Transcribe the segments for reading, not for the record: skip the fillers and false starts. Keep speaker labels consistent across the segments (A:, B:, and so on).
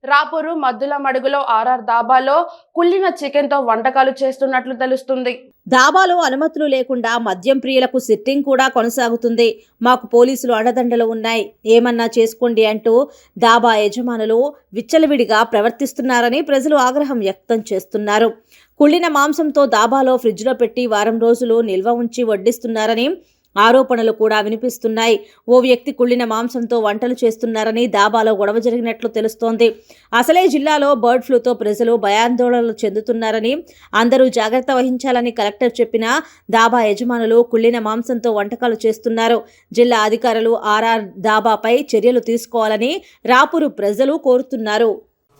A: రాపూరు మద్దుల మడుగులో ఆర్ఆర్ దాబాలో కుళ్ళిన చికెన్ తో వంటకాలు చేస్తున్నట్లు తెలుస్తుంది.
B: దాబాలో అనుమతులు లేకుండా మద్యం ప్రియులకు సిట్టింగ్ కూడా కొనసాగుతుంది. మాకు పోలీసులు అండదండలు ఉన్నాయి, ఏమన్నా చేసుకోండి అంటూ దాబా యజమానులు విచ్చలవిడిగా ప్రవర్తిస్తున్నారని ప్రజలు ఆగ్రహం వ్యక్తం చేస్తున్నారు. కుళ్ళిన మాంసంతో దాబాలో ఫ్రిడ్జ్లో పెట్టి వారం రోజులు నిల్వ ఉంచి వడ్డిస్తున్నారని ఆరోపణలు కూడా వినిపిస్తున్నాయి. ఓ వ్యక్తి కుళ్ళిన మాంసంతో వంటలు చేస్తున్నారని దాబాలో గొడవ జరిగినట్లు తెలుస్తోంది. అసలే జిల్లాలో బర్డ్ ఫ్లూతో ప్రజలు భయాందోళనలు చెందుతున్నారని, అందరూ జాగ్రత్త వహించాలని కలెక్టర్ చెప్పినా దాబా యజమానులు కుళ్ళిన మాంసంతో వంటకాలు చేస్తున్నారు. జిల్లా అధికారులు ఆర్ఆర్ దాబాపై చర్యలు తీసుకోవాలని రాపూరు ప్రజలు కోరుతున్నారు.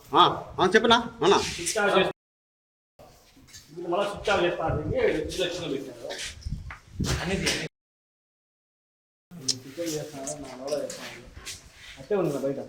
C: అట్టే ఉంది బయట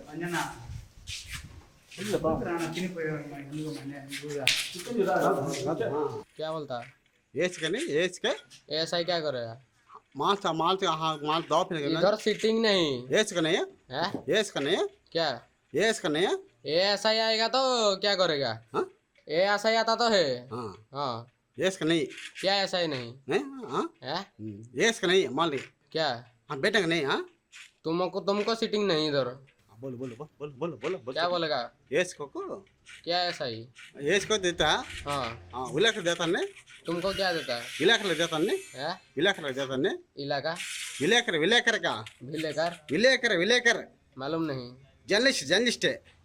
D: क्या बोलता
E: एज के
D: ऐसा क्या करेगा
E: माल माल दो फिर
D: इधर सीटिंग नहीं
E: एज का नहीं
D: है
E: है एज का नहीं है
D: क्या
E: एज का नहीं है
D: ये ऐसा ही आएगा तो क्या करेगा
E: हाँ
D: ये ऐसा ही आता तो है
E: हाँ
D: हाँ
E: एज का नहीं
D: क्या ऐसा ही नहीं
E: है हाँ
D: है
E: एज का नहीं माल नहीं
D: क्या
E: हाँ बेटा का नहीं हाँ
D: तुमको सीटिंग नहीं इधर
E: बोलो बोलो बोलो बोलो बोलो बोलो
D: क्या बोलेगा
E: एज को
D: क्या ऐसा ही
E: एज को देता है
D: हाँ
E: हाँ इलाका देता ने
D: तुमको क्या देता है
E: इलाका देता ने
D: है
E: इलाका देता ने
D: इलाका
E: विलेकर विलेकर का
D: भी लेकर
E: विलेकर विलेकर
D: मालूम नहीं
E: जर्नलिस्ट जर्नलिस्ट है